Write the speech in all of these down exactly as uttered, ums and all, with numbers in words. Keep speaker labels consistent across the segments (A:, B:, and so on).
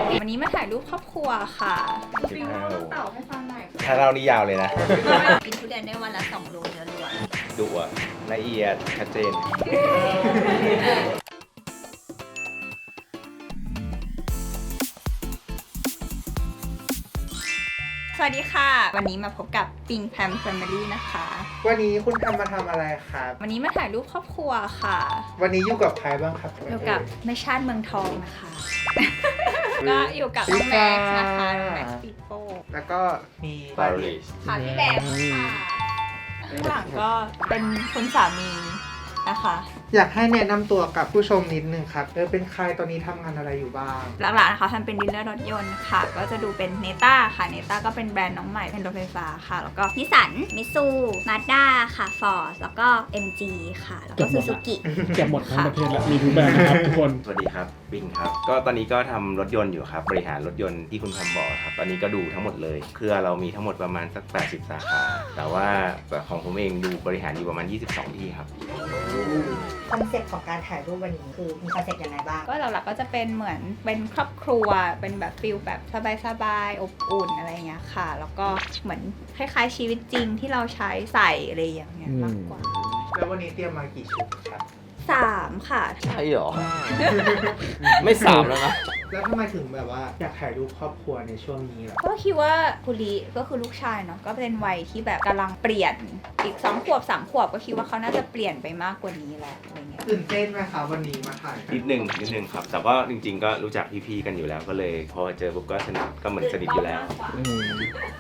A: วันนี้มาถ่ายรูปครอบครัวค่ะ
B: ฟิวเล่าเรื่องเต่าให้ฟังหน่อย
C: ถ้าเรานี่ยาวเลยนะ
A: กินทุเรียนได้วันละสองโลเนื้อล้วน
C: ดุอะละเอียดชัดเจน
A: สวัสดีค่ะ วันนี้มาพบกับปิงแพมแฟมิลี่นะคะ
D: วันนี้คุณทำมาทำอะไรครับ
A: วันนี้มาถ่ายรูปครอบครัวค่ะ
D: วันนี้อยู่กับใครบ้างครับ
A: อยู่กับแม่ชาติเมืองทองนะคะ ก็อยู่กับน้องแม็กซ์นะคะน้องแม็กซ์ปีโป้
D: แล้วก็มี
C: ปารีส
A: ค่ะพี่แบงค์ค่ะข้างหลังก็เป็นคุณสามีนะคะ
D: อยากให้แนะนำตัวกับผู้ชมนิดนึงครับเออเป็นใครตอนนี้ทำงานอะไรอยู่บ้าง
A: หลักๆนะคะทำเป็นดีลเลอร์รถยนต์ค่ะ ก็จะดูเป็นเนต้าค่ะเนต้าก็เป็นแบรนด์น้องใหม่เป็นรถไฟฟ้าค่ะ แล้วก็นิสสันมิตซูมาด้าค่ะฟอร์ดแล้วก็ เอ็ม จี ค่ะ แล้วก็ซูซูกิ
E: เก็บหมดทั้งประเทศแล้วมีทุกแบรนด์นะครับทุกคน
C: สวัสดีครับปิงครับ ก็ตอนนี้ก็ทำรถยนต์อยู่ครับ บริหารรถยนต์ที่คุณทำบอกครับ ตอนนี้ก็ดูทั้งหมดเลย เครือเรามีทั้งหมดประมาณสักแปดสิบสาขา แต่ว่าของผมเองดูบริหารอยู่ประมาณยี่สิบสองที่ครับ
F: คอนเซ็ปต์ของการถ่ายรูปวันนี้คือมีคอนเซ็ปต์ยังไงบ้าง
A: ก็หลักๆก็จะเป็นเหมือนเป็นครอบครัวเป็นแบบฟิลแบบสบายๆอบอุ่นอะไรอย่างเงี้ยค่ะ แล้วก็เหมือนคล้ายๆชีวิตจริงที่เราใช้ใส่อะไรอย่างเงี้ยมากกว่า
D: แล้ววันนี้เตรียมมากี่ชุดครับ
A: สามค่ะ
C: ใช่หรอ ไม่สามแล้วนะ
D: แล้วทำไมถึงแบบว่าอยากถ่ายรูปครอบครัวในช่วงนี้ล่ะ
A: ก็คิดว่าคุริก็คือลูกชายเนาะก็เป็นวัยที่แบบกำลังเปลี่ยนอีกสองขวบสามขวบก็คิดว่าเขาน่าจะเปลี่ยนไปมากกว่านี้แหละอะไรเงี้ย
D: ตื่นเต้นไหมคะวันนี้มาถ่ายกั
C: นิดหนึ่งนิดหนึ่งครับ แต่ก็จริงๆ ก็รู้จักพี่ๆ กันอยู่แล้ว ก็เลยพอเจอปุ๊บก็สนิท ก็เหมือนสนิทอยู่แล้ว
E: อืม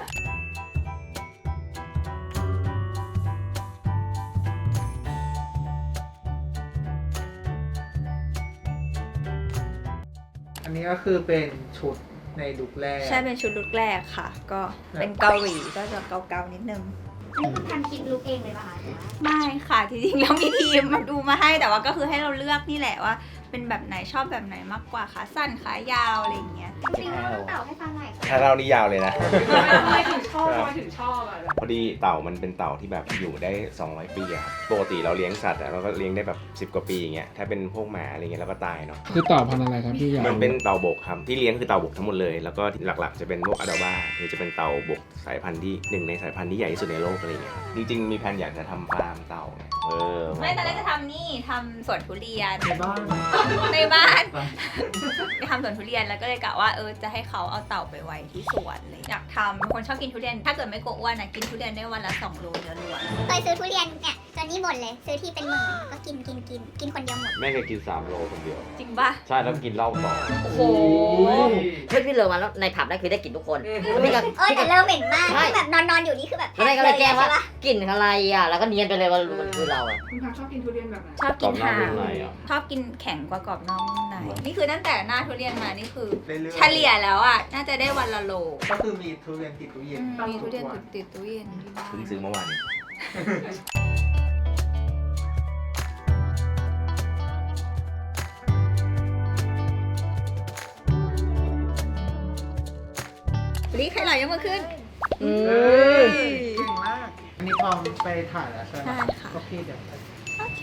D: อันนี้ก็คือเป็นชุดในลุคแรก
A: ใช่เป็นชุดลุคแรกค่ะ ก็เป็นเกาหลีก็จะเกาๆนิดนึง
F: อันนี้คุณทำคิดลุกเองเลยป่ะคะ
A: ไม่ค่ะจริงๆแล้วมีทีมมาดูมาให้แต่ว่าก็คือให้เราเลือกนี่แหละว่า เป็นแบบไหนชอบแบบไหนมากกว่าขาสั้นขายาวอะไรอย่างเงี้ย
F: ฟิวเล่าเรื่องเต่าให้ฟังหน่อย
C: ถ้าเรานี่ยาวเลยนะ
B: ทำไมถึงชอบทำไมถึงชอบอ่ะ
C: พอดีเต่ามันเป็นเต่าที่แบบอยู่ได้สองร้อยปีอะครับปกติเราเลี้ยงสัตว์อะเราก็เลี้ยงได้แบบสิบกว่าปีอย่างเงี้ย ถ้าเป็นพวกหมาอะไรเงี้ยเราก็ตายเนาะ
E: คือต่อพันธุ์อะไรครับพี่ยาว
C: มันเป็นเต่าบกครับที่เลี้ยงคือเต่าบกทั้งหมดเลย แล้วก็หลักๆจะเป็นพวกอะดาบ้าคือจะเป็นเต่าบกสายพันธุ์ที่หนึ่งในสายพันธุ์ที่ใหญ่ที่สุดในโลกอะไรเงี้ยครับจริงๆมีแผนอยากจะทำฟาร์มเต่าไงเออ
A: ไม่ตอนแรกจะทำนี่ทำสวนทุเรียน
D: ในบ้าน
A: ในบ้านไปทำสวนทุเรียนแล้วก็เลยกะว่าเออจะให้เขาเอาเต่าไปไว้ที่สวนเลยอยากทำเป็นคนชอบกินทุเรียน ถ้าเกิดไม่กลัวอ้วนนะกินทุเรียนได้วันละสองโลเนื้อล้วน
G: เคยซื้อทุเรียนเนี่ยจนนี่บ่นเลย ซื้อที่เป็นหมื่นก็กินกินกินกินคนเดียวหมด
C: แม่เคยกินสามโลคนเดียว
A: จริงปะ
C: ใช่แล้วกินเหล้าต่อ
A: โอ้โห
H: เพื่อนพี่เลอมาแล้วในผับนั่นคือได้กลิ่นทุกคนแล้วพี่ก็
G: เออแต่
H: พี่ก็
G: เริ่มเหม็นมาก
H: ใช่
G: คือแบบนอนนอนอยู่นี่คือแบบ
H: แล้วแม่ก็เลยแกล้งว่า
G: ใช่ปะ
H: กลิ่นอะไรอ่ะแล้วก็เนียนไปเลยว่ามันคือเราอ่ะ
B: คุณทำชอบกินทุเรียนแบบไหน
A: ชอบกินหาง
C: กรอบนอกนุ่มในอ่ะ
A: ชอบกินแข็งกว่ากรอบนอกนุ่มในนี่คือตั้งแต่หน้าทุเรียนมานี่คือ
D: เรื่อยๆ
A: เฉลี่ยแล้วอ่ะน่าจะได้วันละโล
D: ก็คือมีทุเรียนติดตู้เย็น
A: มีทุเรียนติดติดตู้เย็นที่บ้าน
C: เพิ่งซื้อเมื่อวาน
A: รีใครไหลยังมาขึ้น
H: อืม
D: เก่งมาก อันนี้พร้อมไปถ่ายแล้วใช่ไหม
A: ใช่ค่ะ
D: ก็พี่เดี๋ยว
A: โอเค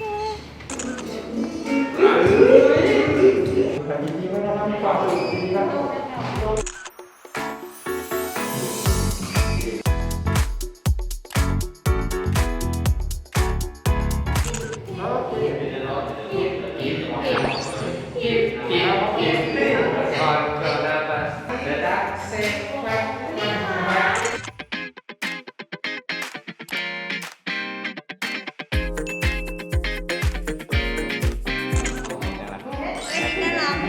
A: น่ารัก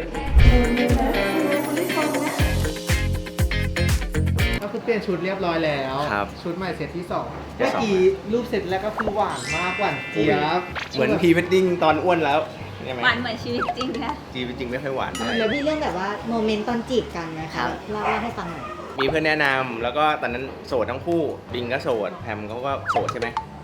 D: ก็คือเปลี่ยนชุดเรียบร้อยแล้ว
C: ครับ
D: ชุดใหม่เซตที่สอง
C: เซต
D: เมื่อ
C: สอง
D: กี้รูปเซตแรกก็คือหวานมากหวานเจี๊ยบ
C: เหมือนพรีเวดดิ้งตอนอ้วนแล้วใช่ไหม
A: หวานเหมือนชีวิตจริงนะ
C: จีจริงๆไม่ค่อยหวานเท่าไหร่
F: แล้วมีเรื่องแบบว่าโมเมนต์ตอนจีบกันไหมคะเล่าเล่าให้ฟังหน่อย
C: มีเพื่อนแนะนำแล้วก็ตอนนั้นโสดทั้งคู่บิงก็โสดแพมเขาก็โสดใช่ไหม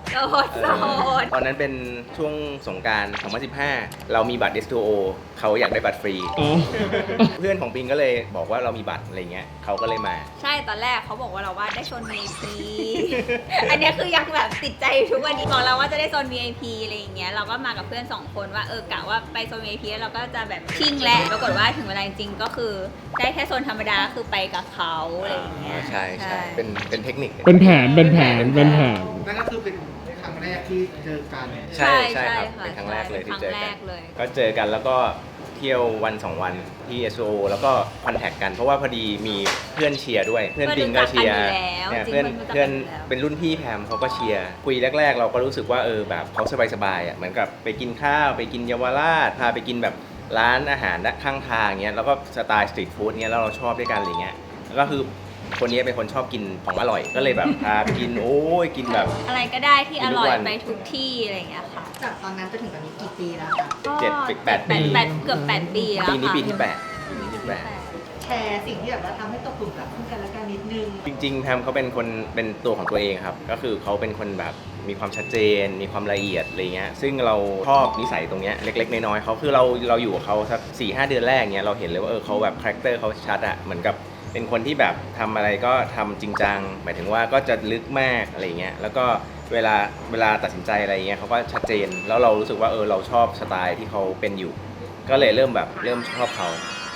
A: โสดโสด
C: ตอนนั้นเป็นช่วงสงกรานต์สองพันสิบห้า เรามีบัตร เอส ทู โอ เขาอยากได้บัตรฟรี
E: อ๋อ
C: เพื่อนของปิงก็เลยบอกว่าเรามีบัตรอะไรเงี้ยเขาก็เลยมา
A: ใช่ตอนแรกเขาบอกว่าเราว่าได้โซน วี ไอ พี อันเนี้ยคือยังแบบติดใจทุกวันนี้บอกเราว่าจะได้โซน วี ไอ พี อะไรอย่างเงี้ยเราก็มากับเพื่อนสองคนว่าเออกะว่าไปโซน วี ไอ พี แล้วเราก็จะแบบชิ่งแหละปรากฏว่าถึงเวลาจริงๆก็คือได้แค่โซนธรรมดาคือไปกับเขาอะไรอย่างเงี้ย
C: ใช่ใช่เป็นเป็นเทคนิค
E: เป็นแผน เป็นแผน เป็นแผน
D: นั่นก็คือเป็นครั้งแรกที่เจอกัน
C: ใช่ใช่ครับ
A: ะ
C: เป็นครั้งแรกเลยที่
A: ครั้ง
C: เจอ
A: แร
C: กัน
A: กเลย
C: ก็เจอกันแล้วก็เที่ยววันสองวันที่ เอส โอ แล้วก็คอนแทคกันเพราะว่าพอดีมีเพื่อนเชียร์ด้วย เพื่อนปิงก็เชียร์
A: เพื่อนรู้จักกันอยู่แล้ว
C: เนี่ยเพื่อน
A: จริงๆ
C: เพื่อน
A: รู้จักกันอยู่แล้ว
C: เป็นรุ่นพี่แพมเขาก็เชียร์คุยแรก ๆ เราก็รู้สึกว่าเออแบบเขาสบายๆอ่ะเหมือนกับไปกินข้าวไปกินเยาวราชพาไปกินแบบร้านอาหารข้างทางเงี้ยแล้วก็สไตล์สตรีทฟู้ดเงี้ยแล้วเราชอบด้วยกันอะไรเงี้ยแล้วก็คือคนนี้เป็นคนชอบกินของอร่อยก็เลยแบบพาไปกินโอ้ยกินแบบ
A: อะไรก็ได้ที่
C: กิ
A: อน
C: ทุก
A: ร่อย
C: วัน
A: ไปทุกที่อะไรอย่างเงี้ยค่ะ
F: จากตอนนั้นจนถึงตอนนี้กี่ปีแล้วคะ
A: ก็
C: เจ็ดปีแปดปี
A: แปดเกือบแปดปีแล้ว
C: ปีนี้
A: ค่ะ
C: ปีที่แปดปีนี้ที่แปด
F: แชร์สิ่งที่แบบว่าทำให้ตกหลุมรักซึ่งกันและกันนิดนึง
C: จริงๆแพมเขาเป็นคนเป็นตัวของตัวเองครับก็คือเขาเป็นคนแบบมีความชัดเจน มีความละเอียดอะไรเงี้ยซึ่งเราชอบนิสัยตรงเนี้ยเล็กๆน้อยๆเขาคือเราเราอยู่กับเขาสักสี่ห้าเดือนแรกเนี้ยเราเห็นเลยว่าเออเขาแบบคาแรคเตอร์เขาชัดอะเหมือนกับเป็นคนที่แบบทำอะไรก็ทำจริงจังหมายถึงว่าก็จะลึกมากอะไรเงี้ยแล้วก็เวลาเวลาตัดสินใจอะไรเงี้ยเขาก็ชัดเจนแล้วเรารู้สึกว่าเออเราชอบสไตล์ที่เขาเป็นอยู่ ก็เลยเริ่มแบบเริ่มชอบเขา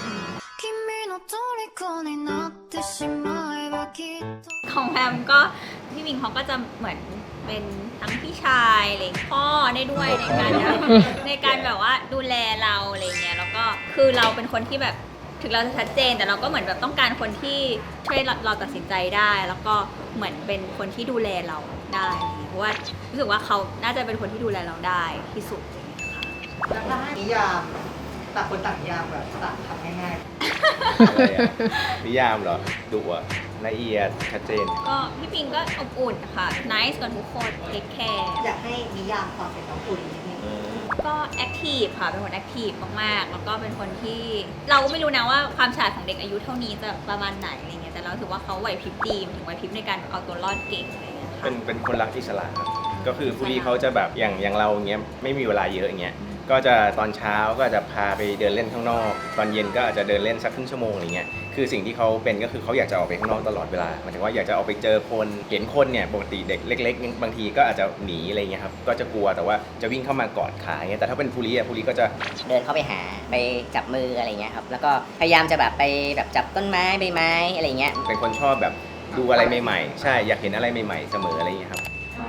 A: ของแพมก็พี่มิงเขาก็จะเหมือนเป็นทั้งพี่ชายอะไรพ่อได้ด้วยในการแบบในการแบบว่าดูแลเราอะไรเงี้ยแล้วก็คือเราเป็นคนที่แบบถึงเราจะชัดเจนแต่เราก็เหมือนแบบต้องการคนที่ช่วยเราเราตัดสินใจได้ แล้วก็เหมือนเป็นคนที่ดูแลเราได้เพราะว่ารู้สึกว่าเขาน่าจะเป็นคนที่ดูแลเราได้ที่สุดอะไรเงี้ยค่ะ
F: แล้วถ้าให้นิยามต่างคนต่างนิยามแบบต่างคำง่าย
C: อะไรอะนิยามเหรอดุอะละเอียดชัดเจน
A: ก็พี่ปิงก็อบอุ่นค่ะ nice กับทุกคนเทคแคร์
F: ๆ อยากให้นิยามความเป็นน้องอุ่นนิดนึง
A: ก็แอคทีฟค่ะ เป็นคนแอคทีฟมากๆ แล้วก็เป็นคนที่เราก็ไม่รู้นะว่าความฉลาดของเด็กอายุเท่านี้จะประมาณไหนอะไรเงี้ย แต่เราถือว่าเขาไหวพริบดีถึงไหวพริบในการเอาตัวรอดเก่งอะไรเงี้ยค่ะ
C: เป็นเป็นคนรักอิสระครับ ก็คือผู้ที่เขาจะแบบอย่างอย่างเราอย่างเงี้ยไม่มีเวลาเยอะอย่างเงี้ย ก็จะตอนเช้าก็จะพาไปเดินเล่นข้างนอก ตอนเย็นก็อาจจะเดินเล่นสักครึ่งชั่วโมงอะไรเงี้ย คือสิ่งที่เขาเป็นก็คือเขาอยากจะออกไปข้างนอกตลอดเวลาหมายถึงว่าอยากจะออกไปเจอคนเห็นคนเนี่ยปกติเด็กเล็กๆบางทีก็อาจจะหนีอะไรเงี้ยครับ ก็จะกลัวแต่ว่าจะวิ่งเข้ามากอดขาเงี้ย แต่ถ้าเป็นภูริอ่ะภูริก็จะ
H: เดินเข้าไปหาไปจับมืออะไรเงี้ยครับ แล้วก็พยายามจะแบบไปแบบจับต้นไม้ใบไม้อะไรเงี้ย
C: เป็นคนชอบแบบดูอะไรใหม่ๆ ใช่ อยากเห็นอะไรใหม่ๆ เสมออะไรเงี้ยครับ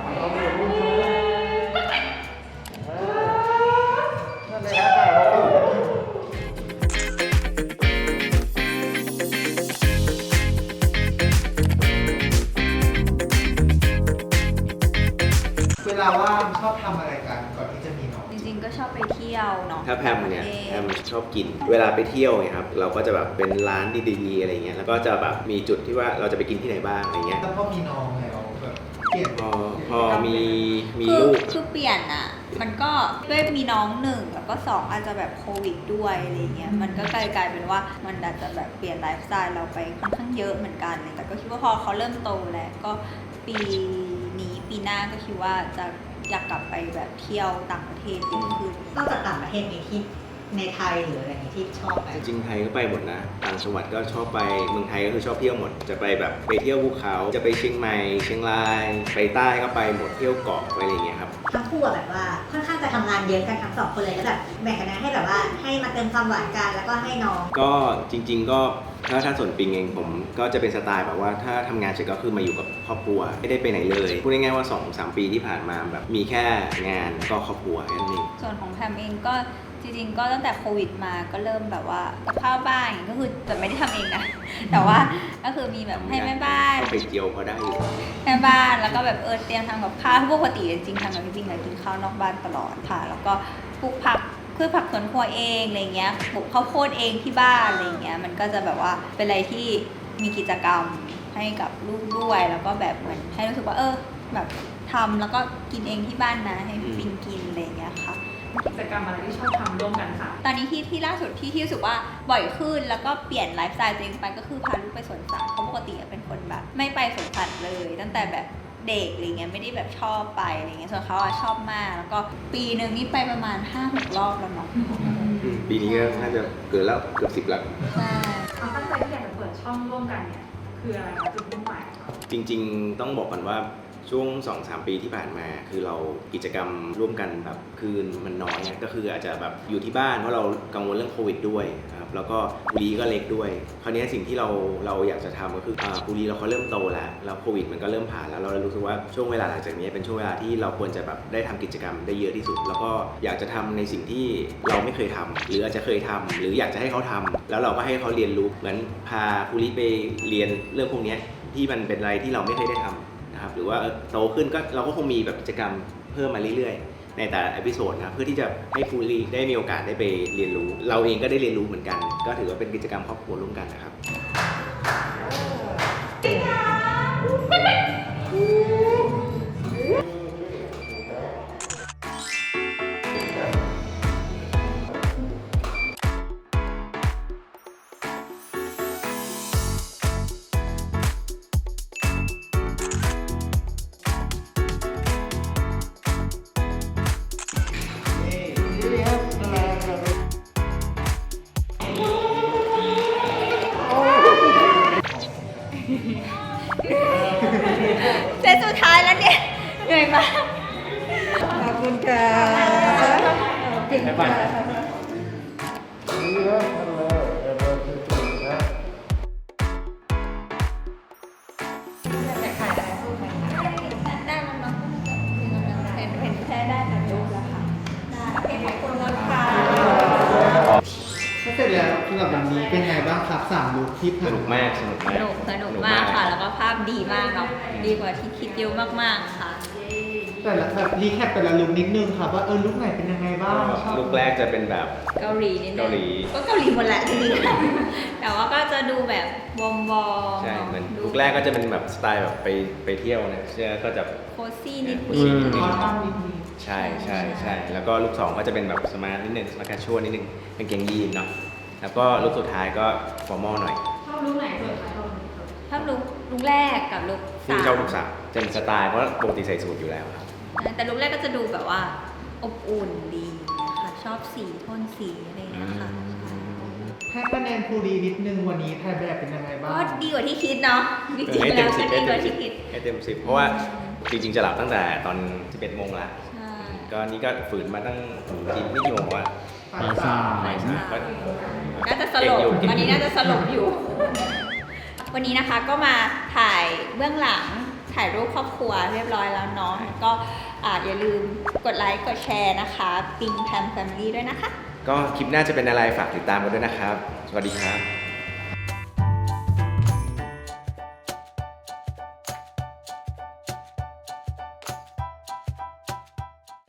D: เวลาว่างชอบทำอะไรกันก่อนที่จะมีน้อง
A: จริงๆ ก็ชอบไปเที่ยวเนาะ
C: ถ้าแพมเนี่ยแพมชอบกิน เวลาไปเที่ยวเนี่ยครับเราก็จะแบบเป็นร้านดีๆอะไรเงี้ยแล้วก็จะแบบมีจุดที่ว่าเราจะไปกินที่ไหนบ้างอะไรเงี้ย
D: แล้วพอมีน้องแล้วแบบเปลี่ยน
C: พอพอมีมี
A: คือ
C: ลูก
A: คือเปลี่ยนอ่ะ มันก็ด้วยมีน้องหนึ่งแล้วก็สองอาจจะแบบโควิดด้วยอะไรเงี้ย มันก็กลายกลายเป็นว่ามันอาจจะแบบเปลี่ยนไลฟ์สไตล์เราไปค่อนข้างเยอะเหมือนกันเลยแต่ก็คิดว่าพอเขาเริ่มโตแล้วก็ปีนี้ปีหน้าก็คิดว่าจะอยากกลับไปแบบเที่ยวต่างประเทศเยอะขึ้น
F: นอกจากต่างประเทศมีที่ในไทยหรืออะไรอย่างนี้ที่ชอบไหม
C: จริงๆไทยก็ไปหมดนะ ต่างจังหวัดก็ชอบไป เมืองไทยก็คือชอบเที่ยวหมด จะไปแบบไปเที่ยวภูเขา จะไปเชียงใหม่ เชียงราย ไปใต้ก็ไปหมด เที่ยวเกาะไปอะไรอย่างเงี้ยครับ
F: ทั้งคู่อะแบบว่าค่อนข้างจะทำงานเยอะกันทั้งสองคนเลยแล้วแบบแบ่งกันนะให้แบบว่าให้มาเติมความหวานกันแล้วก็ให้น้อง
C: ก็จริง ๆ ก็ถ้าถ้าส่วนปิงเองผมก็จะเป็นสไตล์แบบว่าถ้าทำงานเสร็จก็คือมาอยู่กับครอบครัวไม่ได้ไปไหนเลยพูดง่ายๆว่า สองสาม ปีที่ผ่านมาแบบมีแค่งานก็ครอบครัวแค่นั้นเอง
A: ส่วนของแพมเองก็จริงๆ ก็ตั้งแต่โควิดมาก็เริ่มแบบว่ากับข้าวบ้านอย่างเงี้ยก็คือแต่ไม่ได้ทำเองนะ แต่ว่าก็คือมีแบบให้แม่บ้าน
C: ก็ไปเจียวพอได้อยู่
A: แม่บ้านแล้วก็แบบเออเตรียมทำกับข้าวปกติจริงๆทำกับพี่ปิงอะกินข้าวนอกบ้านตลอดค่ะ แล้วก็ปลูกผักพืชผักสวนครัวเองอะไรเงี้ยปลูกข้าวโพดเองที่บ้านอะไรเงี้ยมันก็จะแบบว่าเป็นอะไรที่มีกิจกรรมให้กับลูกด้วยแล้วก็แบบเหมือนให้รู้สึกว่าเออแบบทำแล้วก็กินเองที่บ้านนะให้พี่ปิงกินอะไรเงี้ยค่ะ
B: กิจกรรมอะไรที่ชอบทำร่วมกันค่ะ
A: ตอนนี้ที่ที่ล่าสุดที่ที่รู้สึกว่าบ่อยขึ้นแล้วก็เปลี่ยนไลฟ์สไตล์ตัวเองไปก็คือพาลูกไปสวนสัตว์เพราะปกติเป็นคนแบบไม่ไปสวนสัตว์เลย ตั้งแต่แบบเด็กอะไรเงี้ยไม่ได้แบบชอบไปอะไรเงี้ยส่วนเขาอะชอบมากแล้วก็ปีหนึ่งนี่ไปประมาณ ห้าหก รอบแล้วเนาะ
C: อืมปีนี้ก็น่าจะเกินแล้วเกือบสิบแล้ว
A: ใช่
B: ความตั้งใจที่อยากจะเปิดช่องร่วมกันเนี่ยคืออะไรคะจุดมุ่งหมายคะ
C: จริงๆต้องบอกก่อนว่าช่วง สองถึงสาม ปีที่ผ่านมาคือเรากิจกรรมร่วมกันแบบคือมันน้อยอะก็คืออาจจะแบบอยู่ที่บ้านเพราะเรากังวลเรื่องโควิดด้วยนะครับแล้วก็ปุรีก็เล็กด้วยคราวนี้สิ่งที่เราเราอยากจะทำก็คืออ่าปุรีเราเขาเริ่มโตแล้วแล้วโควิดมันก็เริ่มผ่านแล้วเราเลยรู้สึกว่าช่วงเวลาหลังจากนี้เป็นช่วงเวลาที่เราควรจะแบบได้ทำกิจกรรมได้เยอะที่สุด แล้วก็อยากจะทำในสิ่งที่เราไม่เคยทำหรืออาจจะเคยทำหรืออยากจะให้เขาทำแล้วเราก็ให้เขาเรียนรู้เหมือนพาปุรีไปเรียนเรื่องพวกนี้ที่มันเป็นอะไรที่เราไม่เคยได้ทำหรือว่าโตขึ้นก็เราก็คงมีแบบกิจกรรมเพิ่มมาเรื่อยๆในแต่ละเอพิโซดนะเพื่อที่จะให้ฟูลีได้มีโอกาสได้ไปเรียนรู้เราเองก็ได้เรียนรู้เหมือนกันก็ถือว่าเป็นกิจกรรมครอบครัวร่วมกันนะครับ
A: เซตสุดท้ายแล้วเนี่ยเหนื่อยมาก
D: ขอบคุณค่ะ
C: บ๊ายบาย
A: ได้แล้วเนาะเห็นเห็นแค่ได้แต่รูปแล้วค่ะได้โอเคขอบคุณค่ะ
D: ก็เสร็จแล้วสำหรับวันนี้เป็นไงบ้างครับสามลุคที่
C: ส
D: ผ่าน
C: นุกมากสนุก
A: ส
C: มาก
A: นุกสนุกมากค่ะ แล้วก็ภาพดีมากเนาะดีกว่าที่คิดเยอะมากๆค่ะ
D: แต่ละแบบรีแคปแต่ละลุคนิดนึงครับว่าเออลุคไหนเป็นยังไงบ้างชอบ
C: ลูกแรกจะเป็นแบบ
A: เกาหลีนิดนึง
C: เกาหลี
A: ก็เกาหลีหมดแหละจริงๆแต่ว่าก็จะดูแบบวอมวอม
C: ใช่เหมือนลูกแรกก็จะเป็นแบบสไตล์แบบไปไปเที่ยวนะเชื่อก็จะ
A: โคซี่นิด
C: อื
A: นึง
C: ม
D: คอตั้งนิดนึง
C: ใช่ใช่ใช่แล้วก็ลูกสองก็จะเป็นแบบสมาร์ทนิดนึงสมาร์ทแคชชวลนิดนึงเป็นเกงยีนเนาะแล้วก็ลูกสุดท้ายก็ฟอร์มอลหน่อย
B: ชอบรูปไหนสุดคะชอบรูปไหนสุด
A: ชอบลุกลุกแรกกับลุก
C: ซึ่ง
A: สาม
C: เจ้าลูกสาวจะเป็นสไตล์เพราะปกติใส่สูทอยู่แล้วครับ
A: แต่ลุกแรกก็จะดูแบบว่าอบอุ่นดีนะคะชอบสีโทนสีอะไรอย่างเงี้ยค่ะ
D: ให้คะแนนภูรีนิดนึงวันนี้ถ่ายแบบเป็นยังไงบ้าง
A: ก็ดีกว่าที่คิดเนาะจริง
C: ให้
A: ๆ
C: เต็
A: แล้ว
C: มสิ
A: ก็
C: บ
A: ดี
C: ให้
A: ก
C: เต็
A: ว่าม
C: สิ
A: ที่
C: บ
A: คิด
C: ให้เต็มสิบเพราะว่าจริงๆจะหลับตั้งแต่ตอนสิบเอ็ดโมงละ
A: ใช่
C: ก็นี่ก็ฝืนมาตั้งกี่ไม่กี่โมงวะ
D: ฝ่ายสาม
C: บ่ายสามก็
A: น่าจะสลบตอนนี้น่าจะสลบอยู่ วันนี้นะคะก็มาถ่ายเบื้องหลังถ่ายรูปครอบครัวเรียบร้อยแล้วเนาะก็อ่าอย่าลืมกดไลค์กดแชร์นะคะปิงแพมแฟมิลี่ด้วยนะคะ
C: ก็คลิปหน้าจะเป็นอะไรฝากติดตามกันด้วยนะครับ สวัสดีครับ